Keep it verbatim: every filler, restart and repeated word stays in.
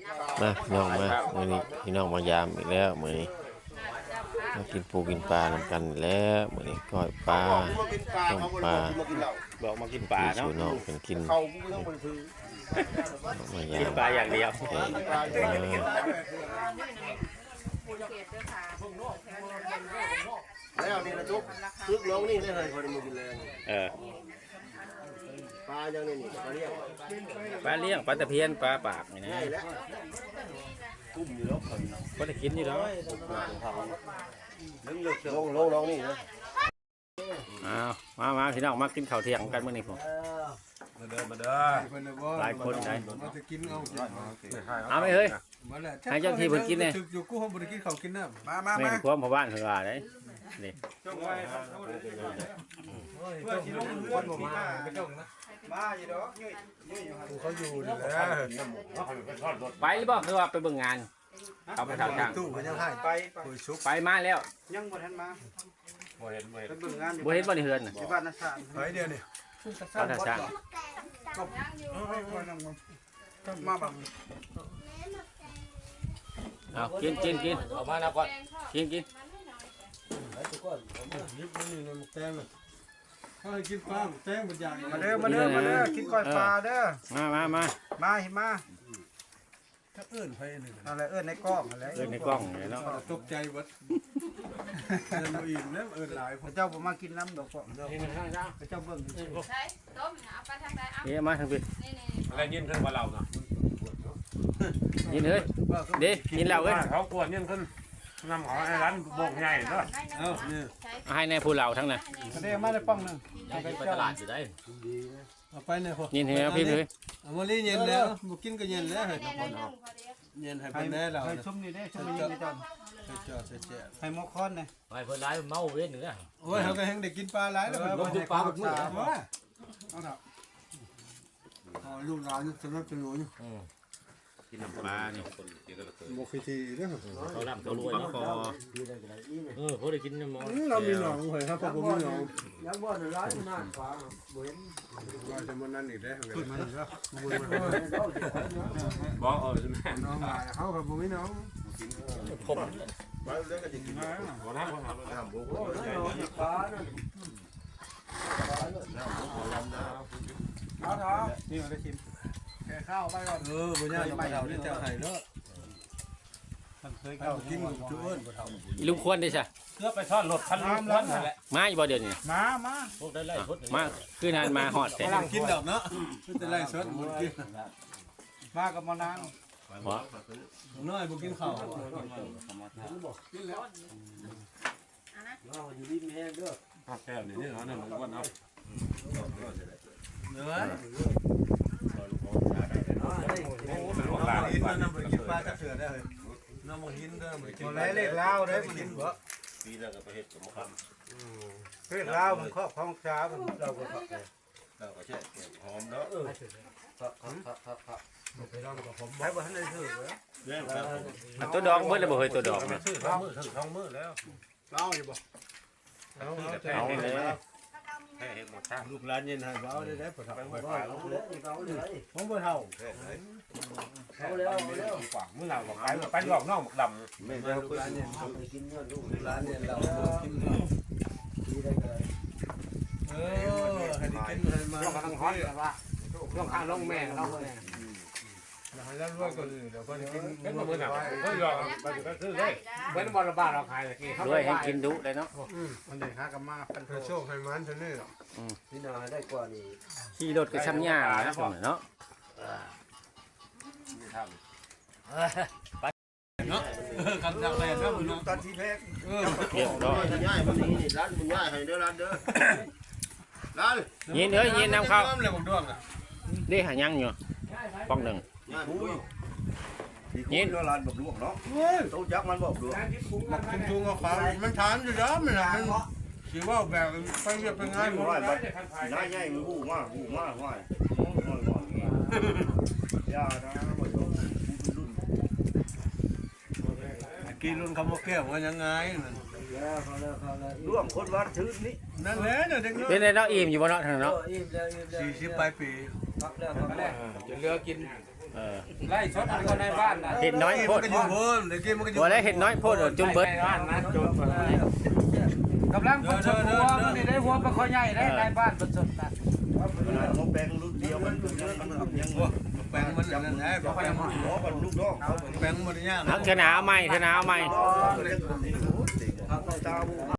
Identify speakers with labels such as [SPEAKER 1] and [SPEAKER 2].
[SPEAKER 1] มาพี่น้องมามื้อนี้พี่น้องมายามอีกแล้วมื้อนี้มากินปูกินปลานำกันแล้วมื้อนี้ก้อยปลาต้มปลา
[SPEAKER 2] บอกมากินปลาเนาะ
[SPEAKER 1] สู่น้องเป็นกิน
[SPEAKER 3] เขาไม่ต้องไปซื้อ
[SPEAKER 1] มายา
[SPEAKER 2] กิน
[SPEAKER 1] ม
[SPEAKER 2] ปลาอย่างเดียว
[SPEAKER 1] เอ้ยมา
[SPEAKER 3] แล้วนี่นะจุ๊บซึกน้องนี่ได้เลยคนมากินแรง
[SPEAKER 2] เออ
[SPEAKER 3] ปลาอย่างนี้นี่ปลาเลี้ยง
[SPEAKER 2] ปลาเลี้ยงปลาตะเพียนปลาปากนี่นะ
[SPEAKER 3] ง่ายแล้วกุ้มอยู่แล้วคน
[SPEAKER 2] ก็ได้กินอยู่แล้ว
[SPEAKER 3] ลึกลึกลงลงน้องนี่นะ
[SPEAKER 2] อ้าวมามาพี่น้องมากินข้าวเที่ยงกันมื้อนี้ผม
[SPEAKER 4] มาเด้อมาเด้อ
[SPEAKER 2] หลายคนได้
[SPEAKER 4] มาจะกินเอา
[SPEAKER 2] เอาไหมเฮ้ย
[SPEAKER 4] มาแล้ว
[SPEAKER 2] ให้เจ้าที่เพิ่นกินเนี่ย
[SPEAKER 4] อยู่กูห้องบ่ได้กินข้าวกินน้ำมามา
[SPEAKER 2] แม่
[SPEAKER 4] มาน
[SPEAKER 2] ความพ่อบ้านเพิ่นว่าได้นี่
[SPEAKER 4] เพื่อสิลงเรือนบ่มาไปจ้องนะมาอยู่ดอกอยู่เขาอยู่นี่แหละ
[SPEAKER 2] ไปหรือบ่คือว่าไปเบิ่งงานเอาไปถามทาง
[SPEAKER 4] ตู้เพิ่นยังให้ไปคุยชุบ
[SPEAKER 2] ไปมาแล้ว
[SPEAKER 5] ยังบ่ทันมา
[SPEAKER 4] บ่เห็นบ่เห็น
[SPEAKER 5] ไปเบิ่งงานอยู่
[SPEAKER 2] บ่เห็นบ่ได้เฮือนน่ะ
[SPEAKER 5] ที่บ้านนาชาติ
[SPEAKER 4] ไปเดียวนี่
[SPEAKER 2] เอาทางทาง
[SPEAKER 5] มาบัง
[SPEAKER 2] เอากินกินกินเอามานะก่อนกินกิน
[SPEAKER 4] ยิบนี่มันแตงเขาให้กินปลาแตงบ่อย่าง
[SPEAKER 5] มาเด้อมาเด้อมาเด้อกินก้อยปลาเด้อ
[SPEAKER 2] มามามา
[SPEAKER 5] มาเห็นมา
[SPEAKER 4] ถ้าเอิ้นไปนี่
[SPEAKER 5] เอาอะไรเอิ้นในกล้องอะไร
[SPEAKER 2] เอิ้นในกล้องนี่เนาะ
[SPEAKER 4] ตกใจเบิดเอิ้นบ่อิ่มแล้วเอิ้นหลาย
[SPEAKER 5] พระเจ้าบ่มากินน้ำดอกพ่อพระเจ้าเบิ่งซื่อ
[SPEAKER 6] ใช่ต้มเอาไปทางใดเอา
[SPEAKER 2] นี่มาทางพี่
[SPEAKER 6] นี่นี่
[SPEAKER 4] อะไรยินขึ้นว่าเราเนาะ
[SPEAKER 2] ยินเฮ้ยเด้ยินแล้วเอ้ย
[SPEAKER 4] เขากวนยินขึ้นนำของไอ้ร้านบ่งใหญ่เนาะเอ้านี่
[SPEAKER 2] เอาให้ในผู้เหล่าทั้งนั้น
[SPEAKER 5] ๆเด้อมาได้ป้องหนึง
[SPEAKER 2] ไปตลาดอยู่ได้
[SPEAKER 4] เอาไปเนี่ยพอ
[SPEAKER 2] ยินเฮ้ยพี่เลย
[SPEAKER 4] เอามาลีเย็นแล้วบ่กินก็เย็นแล้วเฮ้ย
[SPEAKER 6] แน่นอนพอดี
[SPEAKER 4] เย็นให้
[SPEAKER 5] ให้
[SPEAKER 4] เป็นแน่เรา
[SPEAKER 5] ให้
[SPEAKER 4] นะ
[SPEAKER 5] ชุ่มนี่เด้ชุ่มนี่นี่จ้ะ
[SPEAKER 4] ให้จอดแจ๊ะ
[SPEAKER 5] ให้หมอคอนนี่
[SPEAKER 2] ไปเพิ่นร้ายเมาเว้นเนื้อ
[SPEAKER 4] โอ้ยเขาก็ยังได้กินปลาหลายแล้วมันลงทุกปลาบุกมือเอาเถอะเอาลูกหลานสนับสนุน
[SPEAKER 2] กินน้ำปลานี่
[SPEAKER 4] บ่เคยทีเด้อ
[SPEAKER 2] เขาล่ำเขารวยคอเออเขาได้กินน้ำมัน
[SPEAKER 4] เรามีหนองเฮ้ยครับพ่อผมมีหนอง
[SPEAKER 3] ยังบ่ได้ร้ายขนาดปลาบ่เห็น
[SPEAKER 4] ว่าจะมันนั่นอีกได้เหรอ
[SPEAKER 5] ขึ้นมาเด้อ
[SPEAKER 4] บ่เออน้องหลายเขาครับผมมีหนอง
[SPEAKER 3] ปลาเลี้ยงก็จะกิน
[SPEAKER 4] บ่ทำบ่ทำ
[SPEAKER 3] น้ำบุกปลาน่ะ
[SPEAKER 5] เอาเถอะนี่เอาได้ชิมแค่ข้าวไปก่อน
[SPEAKER 4] เออบ่ยากไปเท่านี้เจ้าไห้เนาะ
[SPEAKER 5] มันเคย
[SPEAKER 4] เอา
[SPEAKER 5] เข้า
[SPEAKER 4] กินกับจุเอิ้นบ่เท่า
[SPEAKER 2] ลุงควรได้ใช่
[SPEAKER 4] เพื่อไปทอดรถคันลุงควรนั่นแหละ
[SPEAKER 2] มาอีบ่เดี๋ยวนี้
[SPEAKER 5] มามา
[SPEAKER 2] พวกได้ไล่พดมาคือนานมาฮอดแต่
[SPEAKER 4] กำลังกินดอกเนาะคือแต่ไรสดบ่กิน
[SPEAKER 5] มากับมานาง
[SPEAKER 2] บ่
[SPEAKER 4] น้อยบ่กินข้าว
[SPEAKER 3] เราอยู่ริมแห้งเด้อ
[SPEAKER 4] แก้วนี่เนาะนั่นอ้วนเอาเนื้อลูกหลานกินน้ำบ่กินปลาจักเถื่อได้เฮ้ยน้ำบ่กินเด้อบ่กิน
[SPEAKER 5] บ่ได้เลขลาวได้บ่
[SPEAKER 4] กิ
[SPEAKER 5] กิ
[SPEAKER 4] น
[SPEAKER 5] น
[SPEAKER 4] บ่
[SPEAKER 3] ปีแล้วก็ไปเฮ็ดกับมะขาม
[SPEAKER 5] เลขลาวมันครอบครองช้ามันเราก็
[SPEAKER 3] เราก็แช่หอมเนาะเออครับครับครับครับ
[SPEAKER 5] ได้บ่ทันได้ถือเลย
[SPEAKER 3] เรื่องครับ
[SPEAKER 2] ตัวดอกเบิดแล้วบ่เฮ้ยตัวดอกนะ
[SPEAKER 4] ซื้อท้องมือถึงท้องมือแล้ว
[SPEAKER 5] ลาวอยู่บ่
[SPEAKER 4] เอา
[SPEAKER 2] เอาเลย
[SPEAKER 4] ให้เห็นหมดทางลูกหลานเย็นให้เอาได้ได้ปะทับไปฝ่าย
[SPEAKER 3] เอาเลยเอาเลย
[SPEAKER 4] ผมบ่เท่า
[SPEAKER 3] เอาเลยเอาเลย
[SPEAKER 4] ขวางมือเราบอกไปไปหลอกน้องดำ
[SPEAKER 3] ไม่ได้ลูกหลานเนี่ยไปกินเงินลูก
[SPEAKER 4] ร้านเนี่ยเรากิน
[SPEAKER 3] ดีได้เลย
[SPEAKER 4] เออให้ได้กินให้มา
[SPEAKER 5] ลงกำลังฮอตแต่ว่าลงข้างลงแม่เราเนี่ย
[SPEAKER 4] ให้แล้วรวยก็เดี๋ยวก็ได้กิน
[SPEAKER 5] เป็นมือหนัก
[SPEAKER 4] ก็หยอกไปก็ซื้อได้
[SPEAKER 5] เว้นบอลบ้านเราขายตะกี้
[SPEAKER 2] ด้วยให้กินดุเลยเนาะ
[SPEAKER 5] มันเลยหากันมาเป็น
[SPEAKER 4] ให้โชคให้มันเท่านี้
[SPEAKER 3] พี่นาได้กว่านี้
[SPEAKER 2] ขี่รถก็ช้ำยานะผมเนาะ
[SPEAKER 4] เนาะกันจากแลนด์นะมึง
[SPEAKER 5] ตอนที่แพ้
[SPEAKER 4] เออ
[SPEAKER 2] เรียบร้อย
[SPEAKER 3] ง่ายมันนี้นี่ร้านมันง่ายให้เด้อร้านเด้อร้าน
[SPEAKER 2] ยินเอ้ยยินนำเข้า
[SPEAKER 4] เลยผมดวงอ่ะ
[SPEAKER 2] ได้หายังอยู่ป้องหนึ่ง
[SPEAKER 3] ง่ายปุ้ยนี่คุณร้านบอกลวกเนาะตู้จักมันบอกลวก
[SPEAKER 4] มันคุ้มทุงเอาความมันถามอยู่แล้วมันมันสิว่าแบบไปเรียบไปง่ายหมด
[SPEAKER 3] น้อยบัดน้าใหญ่มันหูมากหูมากว่ายน้อยกว่านี้ยานะบ่ต้องรุ่น
[SPEAKER 4] กินรุ่นคำว่าแก้วว่ายังไง
[SPEAKER 3] แล้วเขาแล้วเขาแล้วร่วมคนวัดชื่นนี้
[SPEAKER 4] นั่นแหละเนี่ยเด็ก
[SPEAKER 2] เป็นไงเนาะอิ่มอยู่บ่เนาะท่านเนาะ
[SPEAKER 3] อิ่มแล้วอิ่มแล้ว
[SPEAKER 4] สี่สิบปลายปี
[SPEAKER 3] พักแล้วพักแล้ว
[SPEAKER 5] จะเลือกิน
[SPEAKER 2] เออ
[SPEAKER 5] ไล่ชดคนในบ้านน่ะ
[SPEAKER 2] เห็ดน้อยโพด
[SPEAKER 4] มันก็อยู่เพิ่มเดี๋ยวกินมันก็อยู่
[SPEAKER 2] บ่ได้เห็ดน้อยโพดเดี๋ยวจนเบิด
[SPEAKER 5] ในบ้านนะจนกำลังคนชดหัวมันนี่ได้หัวปลาคอใหญ่ได้ในบ้านเป็นสดนะ
[SPEAKER 3] เขาแปลงรุ่นเดียวมันยังมันยัง
[SPEAKER 4] แปลงมันนั่นแหละ
[SPEAKER 3] เขาไปมันล้อกันลูกน้องเขา
[SPEAKER 4] แปลงมันยาก
[SPEAKER 1] เอาเถอะหนาวใหม่เถอะหนาวใหม่
[SPEAKER 3] เขาเจ้า